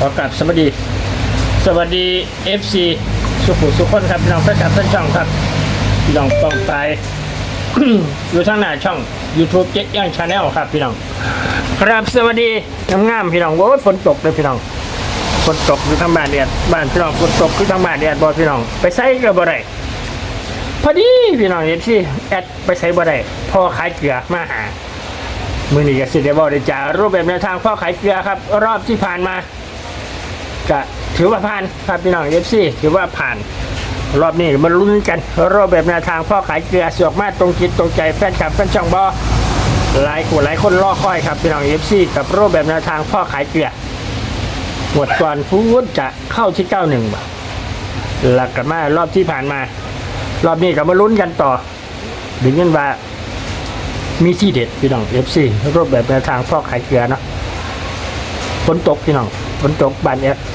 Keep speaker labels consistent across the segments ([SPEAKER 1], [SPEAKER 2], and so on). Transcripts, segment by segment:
[SPEAKER 1] อกราบสวัสดี FC สุขุสุขคนครับพี่น้องแฟนคลับแฟนช่องครับพี่น้องต้องตาย อยู่ทางหน้าช่อง YouTube เจ๊ย่างชาแนลครับพี่น้องครับสวัสดีงามๆพี่น้องโอ้ยฝนตกเลยพี่น้องฝนตกอยู่ทางบ้านแดดบ้านพี่น้องฝนตกอยู่ทางบ้านแดดบ่พี่น้องไปใส่ก็บ่ได้พอดีพี่น้อง FC แอดไปใส่บ่ได้พ่อขายเกลือมาหามื้อนี้ก็สิได้บอกได้จ้ารูปแบบแนวทางพ่อขายเกลือครับรอบที่ผ่านมาก็ถือว่าผ่านครับพี่น้อง FC ถือว่าผ่านรอบนี้มาลุ้นกันรอบแบบแนวทางพ่อขายเกลือสวกมาตรงจิตตรงใจแฟนคลับแฟนช่องบอหลายคนรอคอยครับพี่น้อง FC กับรอบแบบแนวทางพ่อขายเกลือหมดก่อนพูดจะเข้าที่91บ่หลักกันมารอบที่ผ่านมารอบนี้ก็มาลุ้นกันต่อดึงเงินว่ามีที่เด็ดพี่น้อง FC รอบแบบแนวทางพ่อขายเกลือเนาะฝนตกพี่น้องฝนตกบ้านเนี้ย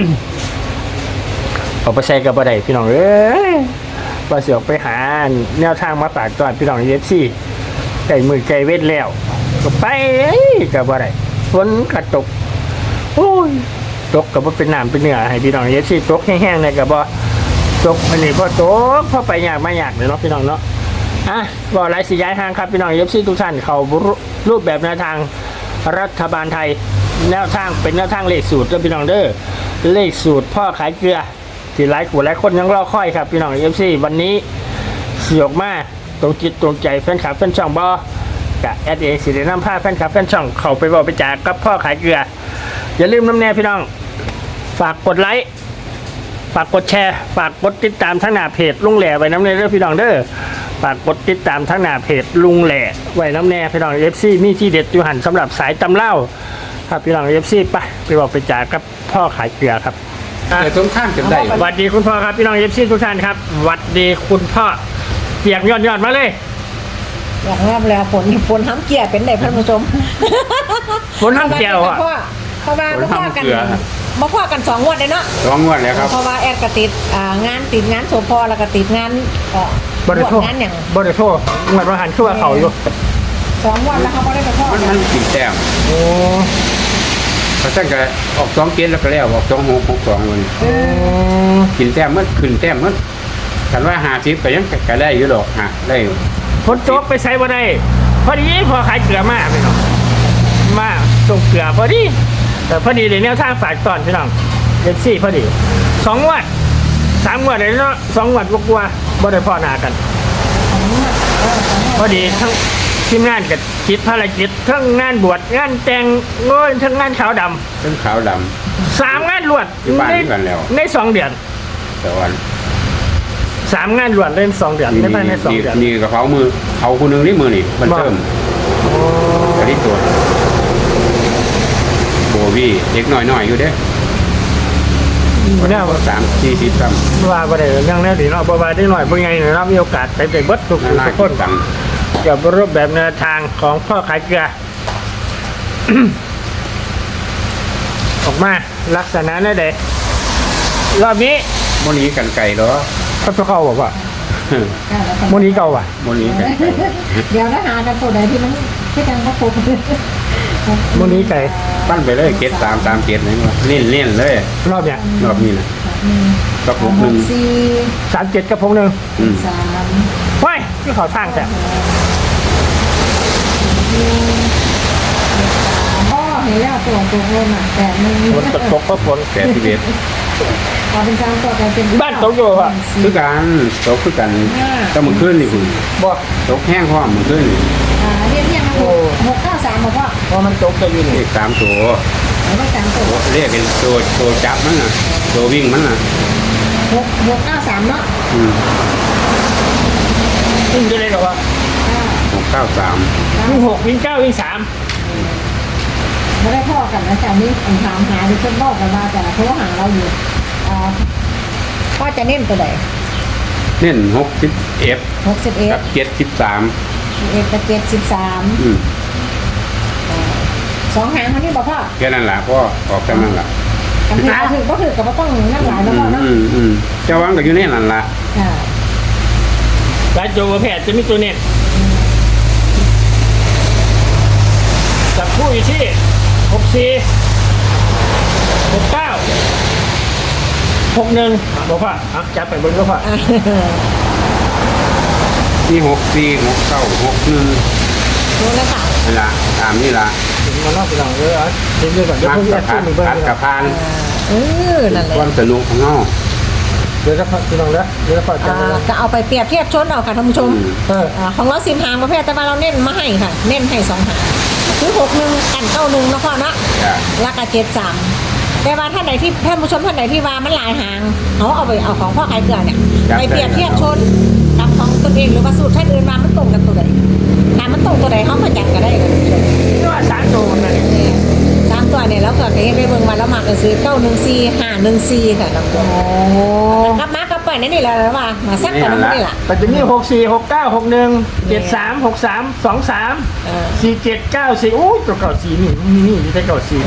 [SPEAKER 1] ออกไปใส่กับบ่ได้พี่น้องเอ้ยว่าสิออกไปหาแนวทางมาฝากตอนพี่น้องFCไก่มือไก่เวทแล้วก็ไปกับบ่ได้ฝนก็ตกโอ้ยตกกับบ่เป็นน้ำเป็นเนื้อให้พี่น้องFCตกแห้งๆเนี่ยก็บ่ตกอันนี้พอตกพอไปยากมาอยากเลยเนาะพี่น้องเนาะบ่หลายสิย้ายทางครับพี่น้อง FC ทุกท่านเขารูปแบบแนวทางรัฐบาลไทยแนวทางเป็นแนวทางเลขสูตรพี่น้องเด้อเลขสูตรพ่อขายเกลือที่หลายคนยังรอคอยครับพี่น้อง FC วันนี้เสียกมาตรงจิตตรงใจแฟนคลับแฟนช่องบอกะแอดเองสิได้นำพาแฟนคลับแฟนช่องเข้าไปบอกไปจากกับพ่อขายเกลืออย่าลืมน้ำแน่พี่น้องฝากกดไลค์ฝากกดแชร์ฝากกดติดตามทั้งหน้าเพจลุงแหล่ไว้น้ำแน่เด้อพี่น้องเด้อฝากกดติดตามทั้งหน้าเพจลุงแหล่ไว้น้ำแน่พี่น้อง FC มีที่เด็ดอยู่หันสำหรับสายตำเล่าครับพี่น้อง FC ไปบอกไปจากกับพ่อขายเกลือครับ
[SPEAKER 2] แต่ต้นข้ามจำได้
[SPEAKER 1] สวัสดีคุณพ่อครับพี่น้องเอฟซีทุกท่านครับสวัสดีคุณพ่อเกียกยอดมาเลย
[SPEAKER 3] อยากงามแล้วฝนทั้งเกียร์เป็นไหนท่านผู้ชม
[SPEAKER 1] ฝนทั้งเกียร์อ่ะ
[SPEAKER 3] เพราะว่ามาพ่อกัน2 งวดเลยเนาะ
[SPEAKER 2] 2 งวดแล้วครับ
[SPEAKER 3] เพราะว่าแอดก็ติดงานโสพแล้วก็ติดงาน
[SPEAKER 1] บริโภค
[SPEAKER 3] อย่าง
[SPEAKER 1] บริโภคเงินประหารคือว่าเขาอยู่
[SPEAKER 3] 2 วันแล้วเขาไม่ได้ไปพ่อ
[SPEAKER 2] มันกินแต้ม
[SPEAKER 1] โอ้
[SPEAKER 2] พระท่านก็ออก2 เกณฑ์แล้วก็แล้วออก2 6 6 2เลยกินแต้มมันขึ้นแต้มมันกันว่า50ก็ยังก็ได้อยู่ดอกได้
[SPEAKER 1] ฝนตกไปใส่บ่ได้พอดีพอขายเกลือมาพี่น้องมาส่งเกลือพอดีแต่พอดีเลยแนวทางฝากตอนพี่น้องเอฟซีพอดี2 วัน3 วันเลยเนาะ2 วันกว่าบ่ได้พ่อหน้ากันพอดีทั้งทีมงานกับจิตภารกิจทั้งงานบวชงานแต่งงานทั้งงานขาวดำ
[SPEAKER 2] ทั้งขาวด
[SPEAKER 1] ำ3 งานรวดใน2 เดือน
[SPEAKER 2] แต่วัน
[SPEAKER 1] 3 งานรวดเล่น2 เดือนในภายใน2 เดือน
[SPEAKER 2] นี่กระเป๋ามือเขาคนนึงนี่มือนี่มันเติมกระดิ่งตัวโบวี่เด็กน้อยอยู่เด้
[SPEAKER 1] เนี่ย
[SPEAKER 2] 30-40 ซ้
[SPEAKER 1] ำว่าประเดี๋ยวยังแน่ดีเนาะเพราะว่าได้หน่อยเมื่อไงเนี่ยเรามีโอกาสไปเบิดทุกคน
[SPEAKER 2] ตัง
[SPEAKER 1] เกี่ยวกับรูปแบบแนวทางของพ่อขายเกลือ ออกมาลักษณะนั่นเองรอบนี้
[SPEAKER 2] โมนี้กันไก่เหรอ
[SPEAKER 1] เขาจะเข้าบอกว่าโมนี้เก่าว่ะ
[SPEAKER 2] โมนี้กันไก่
[SPEAKER 3] เดี๋ยวนะหาแต่ตัวไหนที่มันที่กันก็ปู
[SPEAKER 1] โมนี้ไก่
[SPEAKER 2] ปั้นไปเลยเกต3 เกตนี่ว่าเล่นเลย
[SPEAKER 1] รอบเนี้ย
[SPEAKER 2] รอบนี้นะกับ
[SPEAKER 1] 6 1 3 7กับ6 1 3ว้ายที่เขาสร้างแต่
[SPEAKER 3] พ่อเห็นแล้วตัวลมอ่ะแต่มัน
[SPEAKER 1] ฝนตกก็ฝน
[SPEAKER 2] แก่ที่เบ็ด
[SPEAKER 3] เป็นจางตัวแต่เป็น
[SPEAKER 1] บ้านตกอยู่อ่ะ
[SPEAKER 2] คือกันตกคือกันก็มึงขึ้นนี่คุณ
[SPEAKER 1] บ่
[SPEAKER 2] ตกแห้งพร้อมมึงขึ้น
[SPEAKER 3] เรียก693บอกว่า
[SPEAKER 1] พอมันตกจะอยู่นี่
[SPEAKER 2] เลข3 ตัวเรียกเป็นตัวจับมันน่ะตัววิ่งมันน่ะ
[SPEAKER 3] 693เนาะ
[SPEAKER 1] วิ่งจะได้หรอวะ
[SPEAKER 2] 693
[SPEAKER 1] วิ่ง6วิ่ง9วิ่ง3
[SPEAKER 3] ไม่ได้พ่อกันนะแต่นี้ถามหาดิฉันบอกกันมาแต่โทรหาเราอยู่พ่อจะเน้นตัวไหน
[SPEAKER 2] เน้น61กับ73
[SPEAKER 3] กับ732 หางมันนี่บอกพ่อ
[SPEAKER 2] แค่นั้นแหละพ่อออกแค่นั้นแหละ
[SPEAKER 3] ก็ถือกับว่าต้องนั่งหลายแล้วพ่อเนาะ
[SPEAKER 2] เจ้าวังก็อยู่ในนั่นแหละ
[SPEAKER 1] การโจวแพทย์จะมีตัวเน็ตจับคู่อยู่ที่64 บอกว่าจับไปบนก็พอ
[SPEAKER 2] ที่6 4 6 9 6 1
[SPEAKER 3] รู้แล้วค่ะ
[SPEAKER 2] นี่ละตามนี่ละ
[SPEAKER 1] ถึงมานอกไปลองเลยอ่ะเดี๋ยวก่อนเดี๋ยว
[SPEAKER 2] มัก
[SPEAKER 1] พวกนี้
[SPEAKER 2] กับ
[SPEAKER 1] ขึ้
[SPEAKER 2] พั
[SPEAKER 1] น
[SPEAKER 2] ด
[SPEAKER 1] หนึ่งเบิ้ง
[SPEAKER 2] พัดกับพาน
[SPEAKER 3] นั่นแหละ
[SPEAKER 2] ความสนุกของเฮา
[SPEAKER 1] เดี๋ยวจะพอพี่น้องแล้วเดี๋ยวจะพอจับเลย
[SPEAKER 3] ก็เอาไปเปรียบเทียบชนเอาค่ะท่านผู้ชม ของเรา10 หางประเภทแต่ว่าเราเน้นมาให้ค่ะเน้นให้2 หางคือ61กัน91เนาะพ่อเนาะ
[SPEAKER 2] จ้ะ
[SPEAKER 3] แล้วก็73แต่ว่าท่านใดที่ท่านผู้ชมท่านใดที่ว่ามันหลายหางเอาไปเอาของพ่อขายเกลือเนี่ยไปเปรียบเทียบชนกับของตนเองหรือว่าสูตรท่านอื่นมามันตรงกับตัวใดถ้ามันตรงตัวใดเขามาจัดก็ได้เลยท่านผู้ชม
[SPEAKER 1] นี่ว่า3 ตัวนั่นเอง
[SPEAKER 3] เนี่ย3 ตัวเนี่ยแล้วก็ให้ไปเบิ่งมาแล้วมาก็ซื้อ914 514ค่ะท่านผู้ชมกลับมาก็ปล่อยนั่นนี่แหละแล้วมาสักกันนั่นนี่แหละ
[SPEAKER 1] แต่จะมี64 69 61 73 63 23 47 94โอ้ยตัวเก่า4นี่ที่ได้เก่า4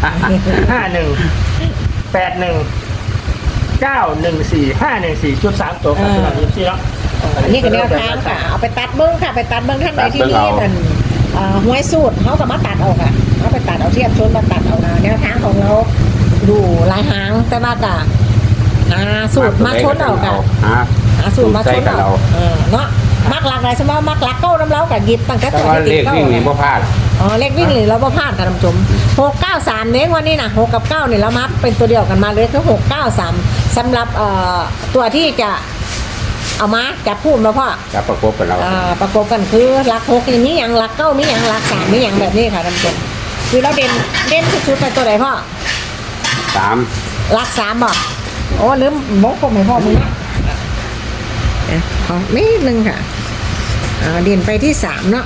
[SPEAKER 1] 51 81 914 514ชุด3ตัวครับพี่น้องที่แล้ว
[SPEAKER 3] อันนี้ก็แนวทางค่ะเอาไปตัดเบิ้งค่ะไปตัดเบิ้งท่านใดที่นี่มันห้วยสูตรเขาก็มาตัดเอาค่ะเขาไปตัดเอาเทียบชนมาตัดเอานะแนวทางของเราดูหลายหางแต่ว่าก็หาสูตรมาชนเอาค่ะหาสูตรมาชนเอาเนาะมักหลักอะไรใช่ไหมมักหลักเก้าน้ำเล้ากับหยิบตั้งแต่
[SPEAKER 2] แต่
[SPEAKER 3] ตัว
[SPEAKER 2] ว่า
[SPEAKER 3] ที่
[SPEAKER 2] เล
[SPEAKER 3] ติด
[SPEAKER 2] ข
[SPEAKER 3] เก้า
[SPEAKER 2] วิ่งนี่บ่พลาด
[SPEAKER 3] เลขวิ่งหรือเราบ่พลาดค่ะท่านผู้ชม693เน้นวันนี้นะ6กับ9เนี่ยเรามาเป็นตัวเดียวกันมาเลยคือ693สำหรับตัวที่จะเอามาจับพูดมาพ่อ
[SPEAKER 2] จะประกบกับเรา
[SPEAKER 3] ประกบกันคือหลัก6มีอย่างหลัก9มีอย่างหลัก3มีอย่างแบบนี้ค่ะท่านผู้ชมคือเราเด่นสุดๆไปตัวไหนพ่อ
[SPEAKER 2] 3
[SPEAKER 3] หลัก3บอกโอ้ลืมบอกผมให้พ่อมึงนะขอนิดนึงค่ะเด่นไปที่3เนาะ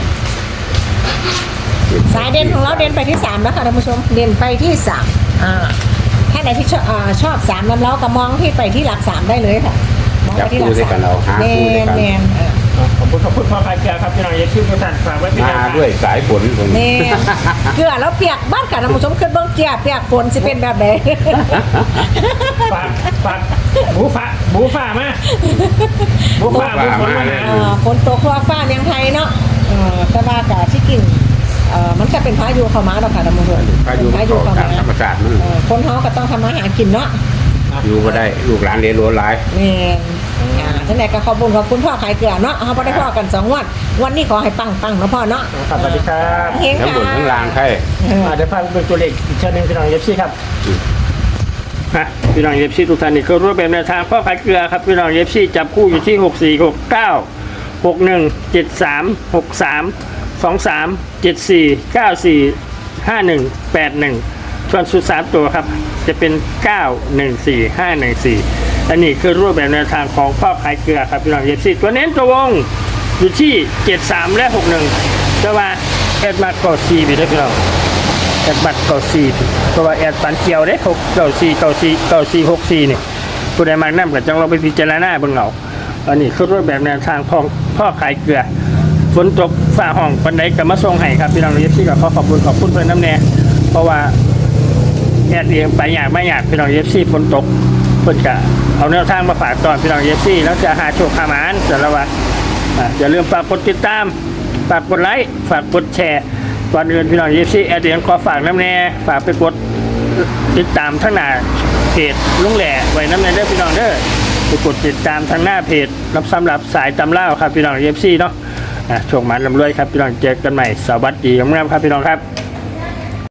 [SPEAKER 3] สายเด่นของเราเด่นไปที่3แล้วค่ะท่านผู้ชมเด่นไปที่3ถ้าไหนที่ชอบ3นั้นเราก็มองที่ไปที่หลัก3ได้เลยค่ะมองไปที่หลัก3แมน
[SPEAKER 1] ขอบคุณพ่อพายเกลือครับพี่น้องอย่าชื่อทุกท่านฝากไว้เป็น
[SPEAKER 2] มาด้วยสายฝนคน
[SPEAKER 3] แมนเกลือแล้วเปียกบ้านค่ะท่านผู้ชมขึ้นเบื้องเกียเปียกฝนสิเป็นแบบไหน
[SPEAKER 1] ฝากหมูฟ้ามาหมูฝนมา
[SPEAKER 3] ฝนตกทั่วฟ้าเมืองไทยเนาะแต่ว่ากะที่กินมันก็เป็นพายุเข้ามาแล้วค่ะท่านผู้ชม
[SPEAKER 2] พายุ
[SPEAKER 3] เข้า
[SPEAKER 2] ตาม
[SPEAKER 3] มา
[SPEAKER 2] ธรรมชาติมัน
[SPEAKER 3] คนเฮาก็ต้องทำมาหากินเนาะ
[SPEAKER 2] อยู่บ่ได้ลูกหลานเรียนรู้หลาย
[SPEAKER 3] แม่ท่านไหนก็ขอบคุณพ่อขายเกลือเนาะเขาบ่ได้พ่อกัน2 วันนี้ขอให้ปังนะพ่อเนาะ
[SPEAKER 1] ครับสวัสดีครับ
[SPEAKER 3] เฮง
[SPEAKER 2] ทั้ง
[SPEAKER 3] ค่ะ
[SPEAKER 2] บนทั้งล่างใช่
[SPEAKER 1] เดี๋ยวพาไปเป็นตัวเลขอีกเช่นนึงพี่น้องเอฟซีครับพี่น้องเอฟซีทุกท่านนี่คือรูปแบบแนวทางพ่อขายเกลือครับพี่น้องเอฟซีจับคู่อยู่ที่64 69 61 73 63 23 74 94 51 81ส่วนสุด3ตัวครับจะเป็น 914 514อันนี้คือรูปแบบแนวทางของพ่อขายเกลือครับพี่น้องเอฟซีตัวเน้นตัววงอยู่ที่73และ61แต่ว่าแอดมาร์กอซีไปด้วยพี่น้องแอดบัตรกอซีเพราะว่าแอดปันเกียวได้94นี่ผู้ใดมากนั่นก็จังเราไปพิจารณาเบิ่งเอาอันนี้คือรูปแบบแนวทางของพ่อขายเกลือฝนตกฝ่าห้องปันไดก็มาส่งให้ครับพี่น้องเอฟซีก็ขอบคุณเพื่อนน้ำแน่เพราะว่าแอดเองไปไม่อยากพี่น้องเอฟซีฝนตกเพิ่นก็เอาแนวทางมาฝากตอนพี่น้องเอฟซีแล้วจะหาโชคหาหมานแต่ละวันอย่าลืมฝากกดติดตามฝากกดไลค์ฝากกดแชร์ก่อนอื่นพี่น้องเอฟซีแอดเองขอฝากน้ำแน่ฝากไปกดติดตามทั้งหน้าเพจลุงแหล่ไว้น้ำแน่เด้อพี่น้องเด้อไปกดติดตามทางหน้าเพจรับสำหรับสายตำเล่าครับพี่น้องเอฟซีเนาะโชคหมานลำรวยครับพี่น้องเจอกันใหม่สวัสดีครับพี่น้องครับ